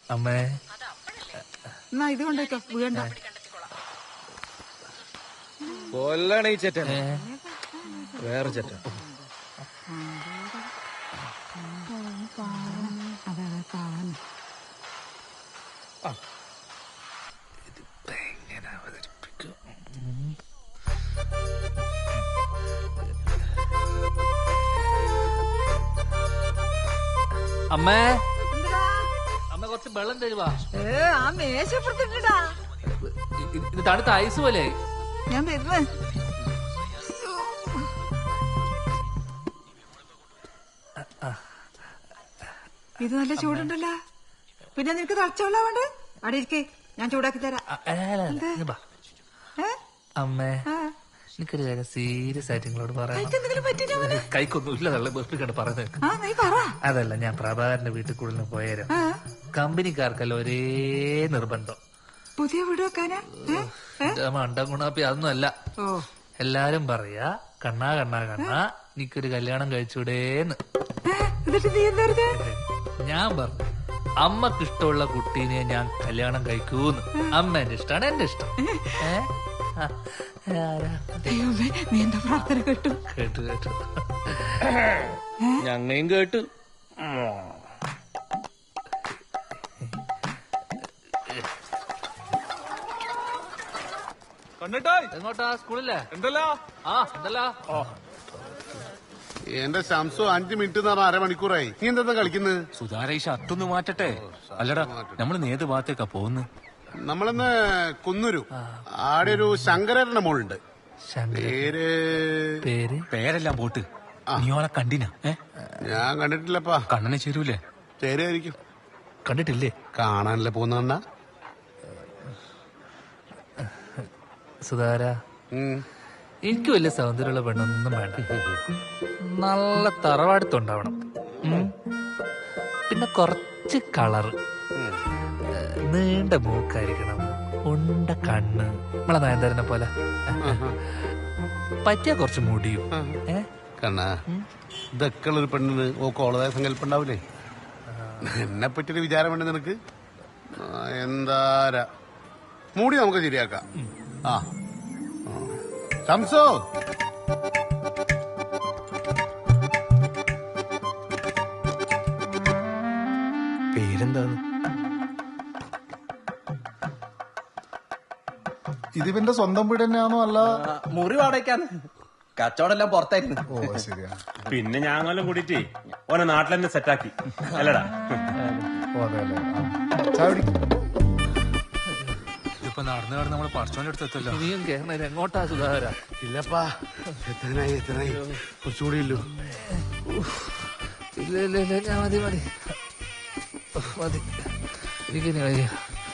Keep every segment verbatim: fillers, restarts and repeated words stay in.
അമ്മേ എന്നാ ഇത് കൊണ്ടേക്കോ വീണ്ട കൊല്ലാണ് ഈ ചേട്ടൻ. വേറെ ചേട്ടൻ. എങ്ങനെ അവതരിപ്പിക്കും? അമ്മേ അമ്മ കുറച്ച് വെള്ളം തരുവാ. ആ മേശപ്പുറത്തിട്ടാ ഇത് തണുത്ത ഐസ് പോലെ. ഞാൻ വരുന്നേ. ഇത് നല്ല ചൂടുണ്ടല്ലോ. പിന്നെ നിനക്ക് തളച്ചോളാ വേണ്ട. അവിടെ ഇരിക്കേ, ഞാൻ ചൂടാക്കി തരാം. അമ്മേ എനിക്കൊരു കാര്യം സീരിയസ് ആയിട്ട് നിങ്ങളോട് പറയാം. കൈക്കൊന്നും ഇല്ല ബെർപ്പിക്കണ്ട് പറയുന്നത്. അതല്ല, ഞാൻ പ്രഭാകരന്റെ വീട്ടിൽ കൂടുതൽ പോയാലും കമ്പനിക്കാർക്കല്ല ഒരേ നിർബന്ധം. പുതിയ വീട് വെക്കാനാ? മണ്ടം ഗുണാപ്പി അതൊന്നും അല്ല. എല്ലാരും പറയാ കണ്ണാ കണ്ണാ കണ്ണാ എനിക്കൊരു കല്യാണം കഴിച്ചൂടേന്ന്. ഞാൻ പറഞ്ഞു അമ്മക്ക് ഇഷ്ടമുള്ള കുട്ടീനെ ഞാൻ കല്യാണം കഴിക്കൂന്ന്. അമ്മ എന്റെ ഇഷ്ടമാണ്, എന്റെ ഇഷ്ടം. നീ എന്താ പ്രാർത്ഥന കേട്ടു? കേട്ടു കേട്ടു ഞങ്ങയും കേട്ടു. എങ്ങോട്ടാ? സ്കൂളില്ലേ? എന്തല്ലോ? ആ എന്തല്ലോ? എന്റെ ശംസു അഞ്ചു മിനിറ്റ് എന്ന് പറഞ്ഞ അരമണിക്കൂറായി. നീ എന്താ കളിക്കുന്നത്? സുധാര ഈ ഷർട്ടൊന്ന് മാറ്റട്ടെ. അല്ലടാ നമ്മൾ ഏത് ഭാഗത്തേക്കാ പോകുന്നത്? നമ്മളിന്ന് കുന്നൂരു ആടെ ഒരു ശങ്കരന്റെ മോളുണ്ട്. പേര് പേര് പേരെല്ലാം പോട്ട്. നീ ഓളെ കണ്ടിനാ? ഞാൻ കണ്ടിട്ടില്ലപ്പാ. കണ്ണനെ ചേരൂലേ? ചേരുമായിരിക്കും. കണ്ടിട്ടില്ലേ? കാണാനല്ലേ പോകുന്ന സുധാര. എനിക്ക് വലിയ സൗന്ദര്യമുള്ള പെണ്ണൊന്നും വേണ്ട. നല്ല തറവാടുത്തുണ്ടാവണം. പിന്നെ കുറച്ച് കളറ്, നീണ്ട മൂക്കായിരിക്കണം, ഉണ്ട കണ്ണ്, നമ്മളെ നയൻതാരനെ പോലെ. പറ്റിയ കുറച്ച് മുടിയും. കണ്ണാ, ഇതൊക്കെ ഉള്ളൊരു പെണ്ണിന് ഓ കോളതായ സങ്കല്പം ഉണ്ടാവില്ലേ? എന്നെ പറ്റിയൊരു വിചാരം വേണ്ട നിനക്ക്? എന്താരാ മൂടി നമുക്ക് ശരിയാക്കാം. ആ ശംസോ, പേരെന്താണ്? ഇതിവന്റെ സ്വന്തം വീട് തന്നെയാണോ? അല്ല മുറി വാടകയ്ക്കാന്ന്. കച്ചവടം പുറത്തായിരുന്നു. ഓ ശരിയാ. പിന്നെ ഞാങ്ങെല്ലാം കൂടിയിട്ട് ഓനെ നാട്ടിൽ തന്നെ സെറ്റാക്കി അല്ലടാ. ഓ അതെ അല്ലേ. ചായ കുടിക്കും. ഇപ്പൊ നടന്നു നടന്ന് നമ്മള് പറച്ചോന്റെ അടുത്തെത്തല്ലോ. ഇനിയും കേരള എങ്ങോട്ടാ സുധാകര? ഇല്ലപ്പാ, എത്രനായി എത്രനായി കുറച്ചുകൂടി ഇല്ലു. ഇല്ല ഇല്ല ഇല്ല, ഞാൻ മതി മതി മതി. എനിക്കിനി കഴിയാ.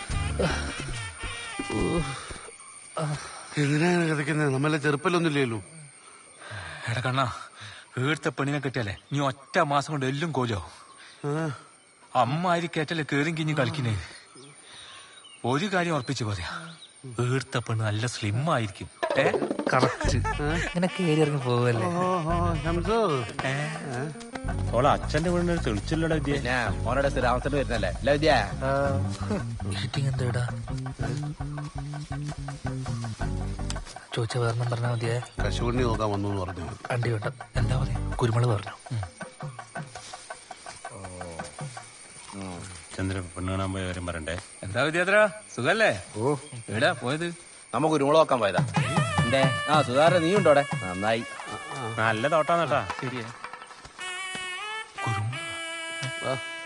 എന്തിനാണ് കിടക്കുന്നത്? നമ്മളെ ചെറുപ്പല്ലൊന്നുമില്ലല്ലോ. എടാ കണ്ണാ, വീഴ്ത്ത പെണ്ണിനെ കെട്ടിയാലേ നീ ഒറ്റ മാസം കൊണ്ട് എല്ലും കോലോ. അമ്മ ആരി കേട്ടല്ലേ കേറിയും കിഞ്ഞ് കളിക്കുന്നേ. ഒരു കാര്യം ഉറപ്പിച്ചു പറയാ, വീഴ്ത്ത പെണ്ണ് നല്ല സ്ലിം ആയിരിക്കും. കറക്റ്റ്. ഇങ്ങനെ കേറി ഇറങ്ങി പോവല്ലേ. ഓളെ അച്ഛന്റെ വീടിന് തെളിച്ചില്ലടാ വിദ്യ. ഓനോടെ സ്ഥിരാമത്തിന് വരുന്നല്ലേ അല്ല വിദ്യ? മീറ്റിംഗ് എന്താ ചോദിച്ച വേറെ പറഞ്ഞാ മതിയേ. കശുവണ്ടി നോക്കാൻ വന്നു എന്ന് പറഞ്ഞു. അണ്ടി വേണ്ട, എന്താ പറയാ, കുരുമുളക് പറഞ്ഞു. ചന്ദ്രൻ പെണ്ണ് കാണാൻ പോയ കാര്യം പറയണ്ടേ? എന്താ വിദ്യാത്ര, സുഖല്ലേ? ഓ എവിടാ പോയത്? നമുക്ക് കുരുമുളക് നോക്കാൻ പോയതാ. എന്തേ? ആ സുധാര നീ ഉണ്ടോടെ? നന്നായി. നല്ല തോട്ടാന്നേട്ടാ. ശരിയാ. കുരുമുളക്